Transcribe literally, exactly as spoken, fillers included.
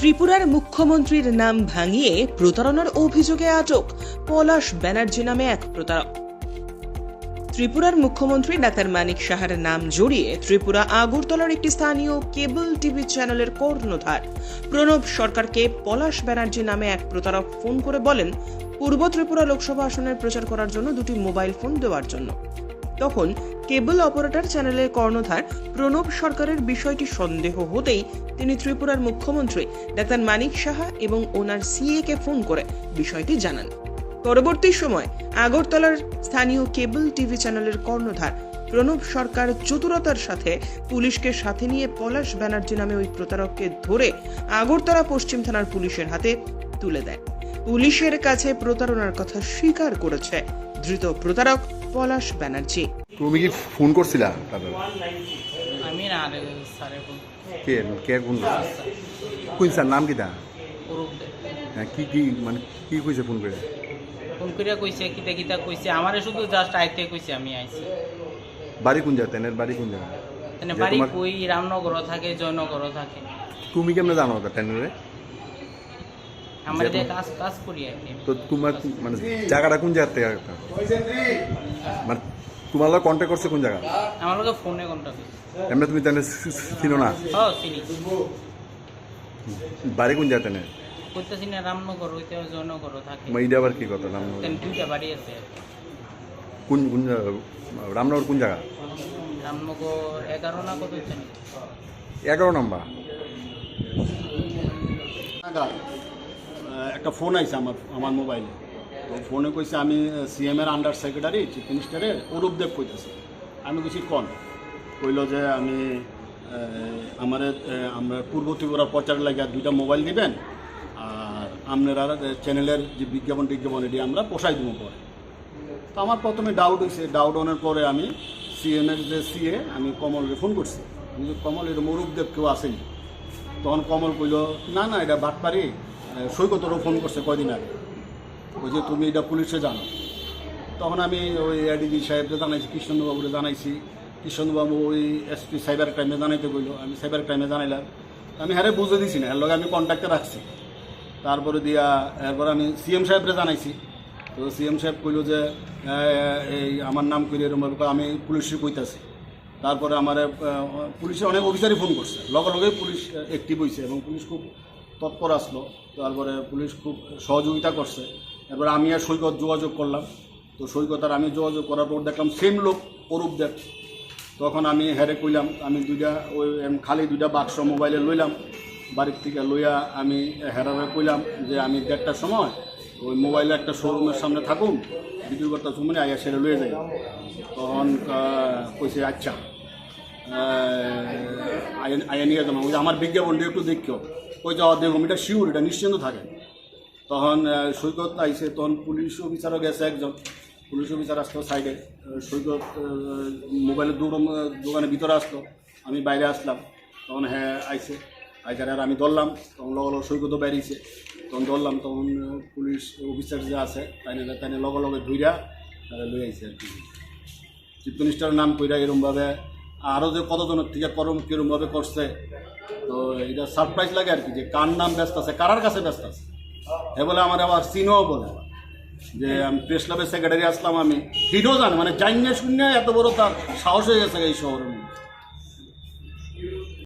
ত্রিপুরার মুখ্যমন্ত্রীর নাম ভাঙিয়ে প্রতারণার অভিযোগে আটক পলাশ ব্যানার্জি নামে এক প্রতারক। ত্রিপুরার মুখ্যমন্ত্রী ডাক্তার মানিক সাহার নাম জড়িয়ে ত্রিপুরা আগরতলার একটি স্থানীয় কেবল টিভি চ্যানেলের কর্ণধার প্রণব সরকারকে পলাশ ব্যানার্জি নামে এক প্রতারক ফোন করে বলেন পূর্ব ত্রিপুরা লোকসভা আসনের প্রচার করার জন্য দুটি মোবাইল ফোন দেওয়ার জন্য। তখন কেবল অপারেটর চ্যানেলের কর্ণধার প্রণব সরকারের বিষয়টি সন্দেহ হতেই তিনি ত্রিপুরার মুখ্যমন্ত্রী ডাক্তার মানিক সাহা এবং ওনার সিএ কে ফোন করে বিষয়টি জানান। পরবর্তী সময় আগরতলার স্থানীয় কেবল টিভি চ্যানেলের কর্ণধার প্রণব সরকার চতুরতার সাথে পুলিশকে সাথে নিয়ে পলাশ ব্যানার্জি নামে ওই প্রতারককে ধরে আগরতলা পশ্চিম থানার পুলিশের হাতে তুলে দেয়। পুলিশের কাছে প্রতারণার কথা স্বীকার করেছে ধৃত প্রতারক পলাশ ব্যানার্জি। তুমি কি ফোন করছিলা তাদের? আমি না রে স্যারে ফোন কে কে ফোন করছে? কোন স্যার নাম কি দা? অরূপ দে হ্যাঁ, কি কি মানে কি কইছে ফোন করে? ফোন করিয়া কইছে কিতা কিতা কইছে আমারে শুধু জাস্ট আইতে কইছে আমি আইছি। বাড়ি কোন জায়গা? তেনের বাড়ি কোন জায়গা? মানে বাড়ি কই রামনগর থাকে জয়নগর থাকে। তুমি কেমনে জানো ওটা তেনরে? আমার যে কাজ কাজ করি আর কি। তো তোমার মানে জায়গাটা কোন জায়গা থেকে? মানে তোমার লগে কন্টাক্ট করছে কোন জায়গা? আমার লগে ফোনে কন্টাক্ট করছে। এমনি তুমি তেনে চিনো না? হ্যাঁ চিনি। বাড়ি কোন জায়গা তেনে? কইতাছি না রামনগর হইতে জয়নগর থাকে। মাইডা আবার কি কথা নাম? তেন দুইটা বাড়ি আছে। কোন কোন রামনগর কোন জায়গা? রামনগর এগারো না কত জানি। এগারো নম্বর। একটা ফোন আইছে আমার আমার মোবাইলে। তো ফোনে কইছে আমি সিএম এর আন্ডার সেক্রেটারি চিফ মিনিস্টারের অরূপ দেব কইতেছি। আমি কইছি কোন? কইল যে আমি আমার আমরা পূর্ব ত্রিপুরা প্রচার লাগিয়া দুইটা মোবাইল দিবেন আর আপনারা চ্যানেলের যে বিজ্ঞাপন টিজ্ঞাপন এটি আমরা পোষাই দেবো পরে। তো আমার প্রথমে ডাউট হয়েছে, ডাউট অনের পরে আমি সিএম এর যে সিএ আমি কমলকে ফোন করছি। আমি যে কমল এরকম অরূপ দেব কেউ আসেনি। তখন কমল কইল না না এটা বাটপারি, সৈকতরও ফোন করছে কয়দিন আগে, ওই যে তুমি এটা পুলিশে জানো। তখন আমি ওই এডিজি সাহেবকে জানাইছি, কৃষ্ণবাবুরে জানাইছি। কৃষ্ণবাবু ওই এসপি সাইবার ক্রাইমে জানাইতে কইল, আমি সাইবার ক্রাইমে জানাইলাম। আমি হ্যাঁ বুঝে দিছি না, এর লগে আমি কন্ট্যাক্টে রাখছি। তারপরে দিয়া এরপর আমি সিএম সাহেবরে জানাইছি। তো সিএম সাহেব কইল যে এই আমার নাম কইলে এরকম আমি পুলিশে কইতাছি। তারপরে আমার পুলিশে অনেক অফিসারই ফোন করছে, লগে লগেই পুলিশ অ্যাক্টিভ হয়েছে এবং পুলিশ খুব তৎপর আসলো। তারপরে পুলিশ খুব সহযোগিতা করছে। এরপরে আমি আর সৈকত যোগাযোগ করলাম। তো সৈকত আর আমি যোগাযোগ করার পর দেখলাম সেম লোক অরূপ দেব। তখন আমি হেরে কইলাম আমি দুইটা ওই খালি দুইটা বাক্স মোবাইলে লইলাম বাড়ির থেকে লইয়া আমি হেরারে কইলাম যে আমি দেড়টার সময় ওই মোবাইলে একটা শোরুমের সামনে থাকুন, ভিডিও করতে সময় আইয়া সেরে লয়ে যাই। তখন কইছে আচ্ছা আইয়া নিয়ে যাবো, ওই আমার বিজ্ঞাপনটা একটু দেখিও। ওই যাওয়া দেখুন এটা শিওর, এটা নিশ্চিন্ত থাকে। তখন সৈকত আইসে, তখন পুলিশ অফিসারও গেছে একজন, পুলিশ অফিসার আসলো সাইডে। সৈকত মোবাইলের দোকানের ভিতরে আসলো, আমি বাইরে আসলাম। তখন হ্যাঁ আইসে আইসার আর আমি ধরলাম। তখন লগে লগে সৈকতও বেরিয়েছে, তখন ধরলাম। তখন পুলিশ অফিসার যে আছে তাই না তাই লগে লগে ধুইরা তারা লই আইসে আর কি। চিফ মিনিস্টারের নাম কইরা এরমভাবে আরও যে কতজনের থেকে করম কীরমভাবে করছে। তো এটা সারপ্রাইজ লাগে আর কি, যে কার নাম ব্যস্ত আছে, কারার কাছে ব্যস্ত আছে। এ বলে আমার আবার চিনোও বলে যে আমি প্রেস ক্লাবের সেক্রেটারি আসলাম, আমি হিডও জান মানে জানিয়ে শূন্য এত বড় তার সাহস হয়ে গেছে এই শহরের মধ্যে।